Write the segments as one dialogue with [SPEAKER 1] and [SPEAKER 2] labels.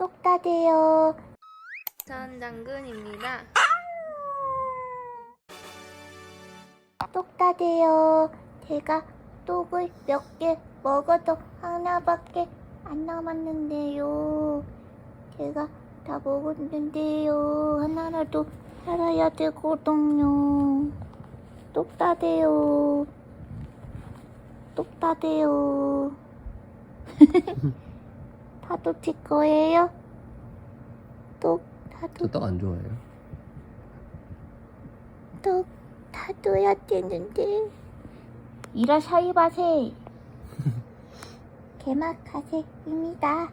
[SPEAKER 1] 똑따대요.
[SPEAKER 2] 전장군입니다.
[SPEAKER 1] 똑따대요. 제가 똑을 몇 개 먹어도 하나밖에 안 남았는데요. 제가 다 먹었는데요. 하나라도 살아야 되거든요. 똑따대요. 똑따대요. 파도 칠 거예요?
[SPEAKER 3] 저 떡 안 좋아해요?
[SPEAKER 1] 똑 타둬야 되는데. 이라샤이마세. 게마카세입니다.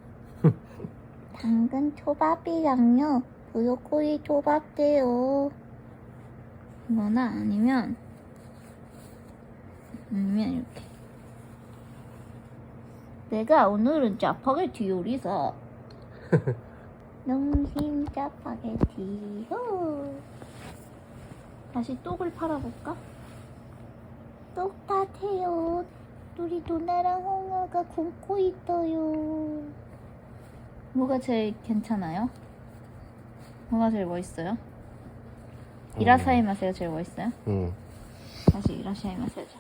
[SPEAKER 1] 당근 초밥이랑요 브로콜리 초밥돼요.
[SPEAKER 2] 이거나 아니면 이렇게.
[SPEAKER 1] 내가 오늘은 짜파게티 요리사. 농심 짜파게티요.
[SPEAKER 2] 다시 똑을 팔아볼까?
[SPEAKER 1] 똑같아요. 우리 누나랑 홍아가 굶고 있어요.
[SPEAKER 2] 뭐가 제일 괜찮아요? 뭐가 제일 멋있어요? 이라사이마세가 제일 멋있어요?
[SPEAKER 3] 응.
[SPEAKER 2] 다시 이라샤이마세 하자.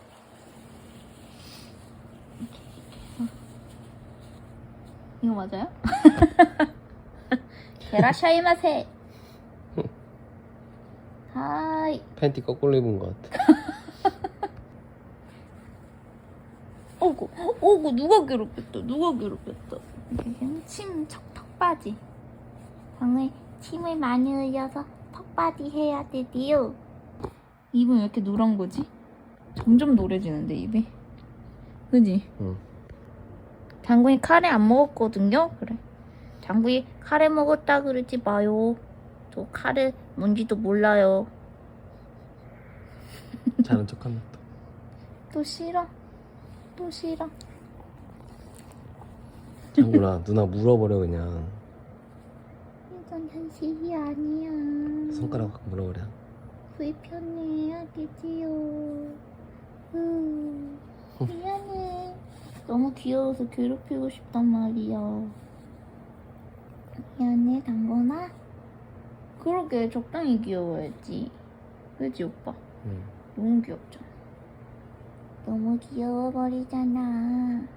[SPEAKER 2] 이렇게 해서. 이거 맞아요? 이라샤이마세. 하이.
[SPEAKER 3] 팬티 거꾸로 입은 것 같아.
[SPEAKER 2] 어구 누가 괴롭혔다. 이렇게 턱받이.
[SPEAKER 1] 방에 침을 많이 흘려서 턱받이 해야 되디요.
[SPEAKER 2] 입은 왜 이렇게 노란 거지? 점점 노래지는데 입이. 그지?
[SPEAKER 3] 응.
[SPEAKER 2] 장군이 카레 안 먹었거든요. 그래. 장군이 카레 먹었다 그러지 마요. 저 카레 뭔지도 몰라요.
[SPEAKER 3] 자는 척한다.
[SPEAKER 2] 또 싫어.
[SPEAKER 3] 장군아, 누나 물어버려 그냥.
[SPEAKER 1] 이건 현실이 아니야.
[SPEAKER 3] 손가락 갖고 물어버려.
[SPEAKER 1] 불편해야 되지요. 미안해.
[SPEAKER 2] 너무 귀여워서 괴롭히고 싶단 말이야.
[SPEAKER 1] 미안해, 당근아.
[SPEAKER 2] 그러게 적당히 귀여워야지. 그지 오빠?
[SPEAKER 3] 응.
[SPEAKER 2] 너무 귀엽잖아.
[SPEAKER 1] 너무 귀여워버리잖아.